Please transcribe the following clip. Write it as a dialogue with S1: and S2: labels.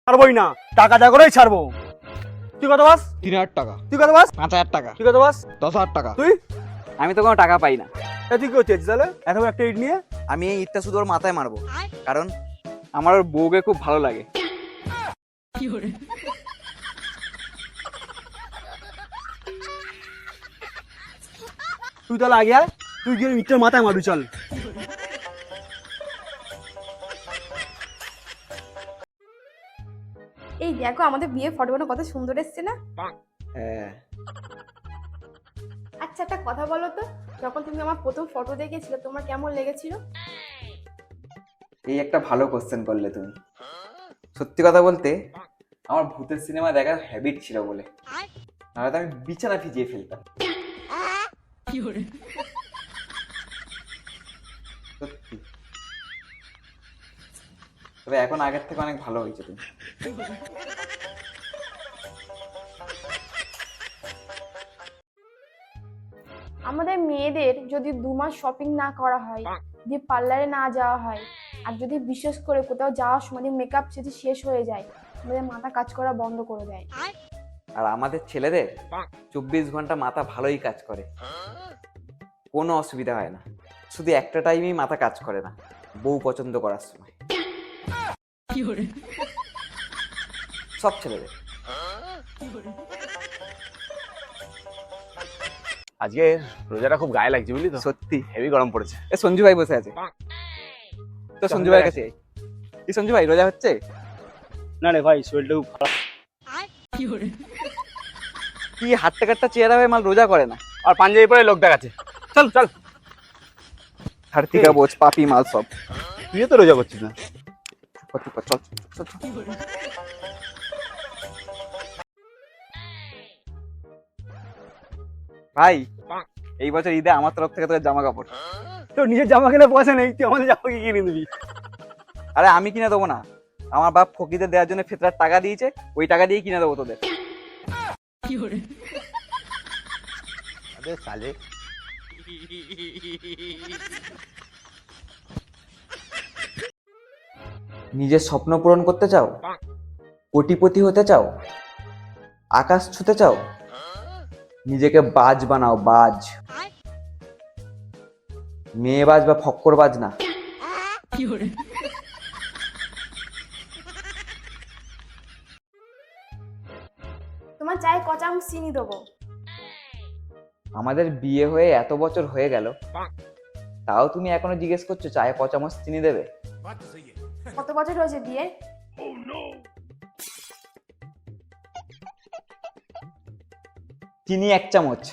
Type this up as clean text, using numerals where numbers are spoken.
S1: ছাড়বোই না, টাকা যা করেই ছাড়বো। তুই কত বাস?
S2: 3000 টাকা।
S1: তুই কত বাস?
S2: 5000 টাকা।
S1: তুই কত বাস?
S2: 10000 টাকা।
S1: তুই?
S2: আমি তো কোনো টাকা পাই না।
S1: তুই কি করছিস তাহলে এত বড় একটা ইট নিয়ে?
S2: আমি এই ইটটা শুধু ওর মাথায় মারবো, কারণ আমার ওর বউকে খুব ভালো লাগে।
S1: তুই তাহলে আগে আয়, তুই গিয়ে ইটটার মাথায় মারবি, চল।
S3: এই দেখো আমাদের বিয়ের ফটোগুলো কত সুন্দর এসছে না?
S2: হ্যাঁ।
S3: আচ্ছা একটা কথা বলো তো, যখন তুমি আমার প্রথম ফটো দেখেছিলে তোমার কেমন লেগেছিল?
S2: এই একটা ভালো কোশ্চেন করলে তুমি। সত্যি কথা বলতে আমার ভূতের সিনেমা দেখার হ্যাবিট ছিল বলে, নাহলে তো আমি বিছানা ভিজিয়ে ফেলতাম। সত্যি। তবে এখন আগের থেকে অনেক ভালো হয়েছে তুমি।
S3: আমাদের মেয়েদের যদি 2 মাস শপিং না করা হয়, যদি পার্লারে না যাওয়া হয়, আর যদি বিশেষ করে কোথাও যাওয়ার সময় মেকআপ যদি শেষ হয়ে যায়, আমাদের মাথা কাজ করা বন্ধ করে দেয়।
S2: আর আমাদের ছেলেদের 24 ঘন্টা মাথা ভালোই কাজ করে, কোনো অসুবিধা হয় না। শুধু একটা টাইমেই মাথা কাজ করে না, বউ পছন্দ করার সময়। সব ছেলেদের।
S1: আজকে রোজাটা খুব গায়ে লাগছে, বুঝলি তো?
S2: সত্যি
S1: হেভি গরম পড়েছে।
S2: এ সঞ্জু ভাই বসে আছে, তো সঞ্জু ভাইয়ের কাছে আয়। এই সঞ্জু ভাই রোজা হচ্ছে?
S1: না রে ভাই, শরীরটা খুব খারাপ।
S2: কি হাট্টা কাট্টা চেহারা হয়ে মাল রোজা করে না,
S1: আর পাঞ্জাবি পরে লোক দেখাচ্ছে। চল চল,
S2: হাড়তিকা বোঝ পাপি মাল সব।
S1: তুইও তো রোজা করছিস না।
S2: চল চল চল। ভাই এই বছর ঈদে আমার তরফ থেকে তোর জামা কাপড়।
S1: তোর নিজের জামা কিনে পয়সা নেই, তুই আমাদের জামা কি কিনে দিবি?
S2: আরে আমি কিনে দেবো না, আমার বাপ ফকিদের দেওয়ার জন্য ফেতরার টাকা দিয়েছে, ওই টাকা দিয়ে কিনে দেবো তোদের।
S1: আরে সালে,
S2: নিজের স্বপ্ন পূরণ করতে চাও, কোটিপতি হতে চাও, আকাশ ছুতে চাও, নিজেকে বাজ বানাও, বাজ। মেয়ে বাজ বা ফক্কর বাজ না।
S3: তোমার চায়ে ক চামচ চিনি দেবো?
S2: আমাদের বিয়ে হয়ে এত বছর হয়ে গেল, তাও তুমি এখনো জিজ্ঞেস করছো চায়ে ক চামচ চিনি দেবে?
S3: কত বছর হয়েছে বিয়ে?
S2: চিনি 1 চামচ।